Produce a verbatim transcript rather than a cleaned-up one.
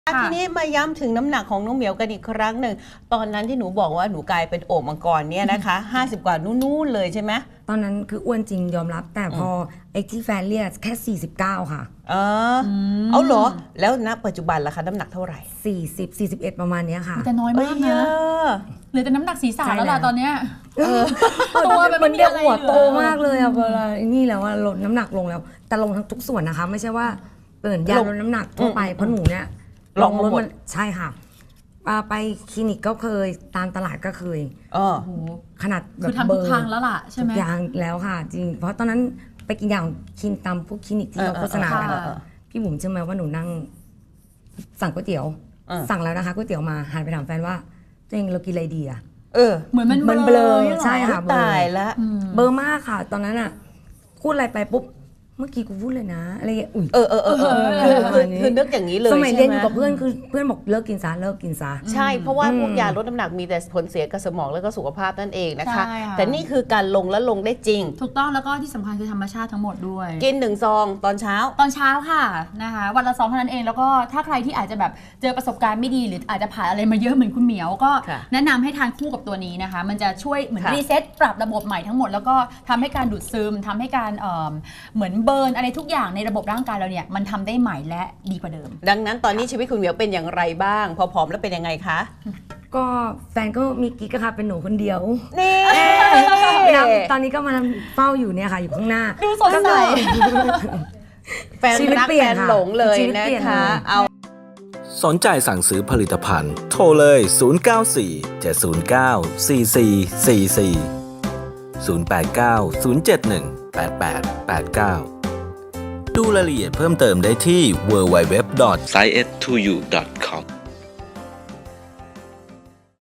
ทีนี้มาย้ำถึงน้ำหนักของน้องเหมียวกันอีกครั้งหนึ่งตอนนั้นที่หนูบอกว่าหนูกลายเป็นโอ่งมังกรเนี่ยนะคะ ห้าสิบ กว่านู่นๆเลยใช่ไหมตอนนั้นคืออ้วนจริงยอมรับ แต่พอไอ้ที่แฟนเรียกแค่สี่สิบเก้าค่ะเออเอาเหรอแล้วณปัจจุบันล่ะคะน้ำหนักเท่าไหร่สี่สิบ สี่สิบเอ็ดประมาณนี้ค่ะแต่น้อยมากนะเหลือแต่น้ำหนักศีรษะแล้วล่ะตอนเนี้ยตัวมันเรียกหัวโตมากเลยอะเวลานี่แล้วว่าลดน้ำหนักลงแล้วแต่ลงทั้งทุกส่วนนะคะไม่ใช่ว่าเปิดยาลดน้ำหนักทั่วไปเพราะหนูเนี่ยลองลดมันใช่ค่ะไปคลินิกก็เคยตามตลาดก็เคยขนาดแบบคือทำทุกครั้งแล้วล่ะใช่ไหมทุกอย่างแล้วค่ะจริงเพราะตอนนั้นไปกินอย่างคลินตามพวกคลินิกที่เราโฆษณากันพี่บุ๋มเชื่อไหมว่าหนูนั่งสั่งก๋วยเตี๋ยวสั่งแล้วนะคะก๋วยเตี๋ยวมาหันไปถามแฟนว่าตัวเองเรากินอะไรดีอะเออเหมือนมันเบลอใช่ค่ะตายแล้วเบลอมากค่ะตอนนั้นอะพูดอะไรไปปุ๊บเมื่อกี้กูพูดเลยนะอะไรอย่างเงี้ยเออเออเออคือนึกอย่างนี้เลยสมัยเรียนอยู่กับเพื่อนคือเพื่อนบอกเลิกกินซะเลิกกินซะใช่เพราะว่าพวกยาลดน้ำหนักมีแต่ผลเสียกับสมองแล้วก็สุขภาพนั่นเองนะคะแต่นี่คือการลงและลงได้จริงถูกต้องแล้วก็ที่สำคัญคือธรรมชาติทั้งหมดด้วยกินหนึ่งซองตอนเช้าตอนเช้าค่ะนะคะวันละซองเท่านั้นเองแล้วก็ถ้าใครที่อาจจะแบบเจอประสบการณ์ไม่ดีหรืออาจจะผ่านอะไรมาเยอะเหมือนคุณเหมียวก็แนะนำให้ทานคู่กับตัวนี้นะคะมันจะช่วยเหมือนรีเซ็ตปรับระบบใหม่ทั้งหมดแล้วก็ทำให้การดูดซึมทำให้การเหมือนเบิร์นอะไรทุกอย่างในระบบร่างกายเราเนี่ยมันทำได้ใหม่และดีกว่าเดิมดังนั้นตอนนี้ชีวิตคุณเหมียวเป็นอย่างไรบ้างพอผอมแล้วเป็นยังไงคะก็แฟนก็มีกิ๊กค่ะเป็นหนูคนเดียวนี่ตอนนี้ก็มาเฝ้าอยู่เนี่ยค่ะอยู่ข้างหน้าดูสดใสแฟนรักแฟนหลงเลยนะคะเอาสนใจสั่งซื้อผลิตภัณฑ์โทรเลยศูนย์ เก้า สี่ เจ็ด ศูนย์ เก้า สี่ สี่ สี่ สี่ ศูนย์ แปด เก้า ศูนย์ เจ็ด หนึ่ง แปด แปด แปด เก้าดูรายละเอียดเพิ่มเติมได้ที่ ดับเบิลยู ดับเบิลยู ดับเบิลยู ดอท ไซเอส ทู ยู ดอท คอม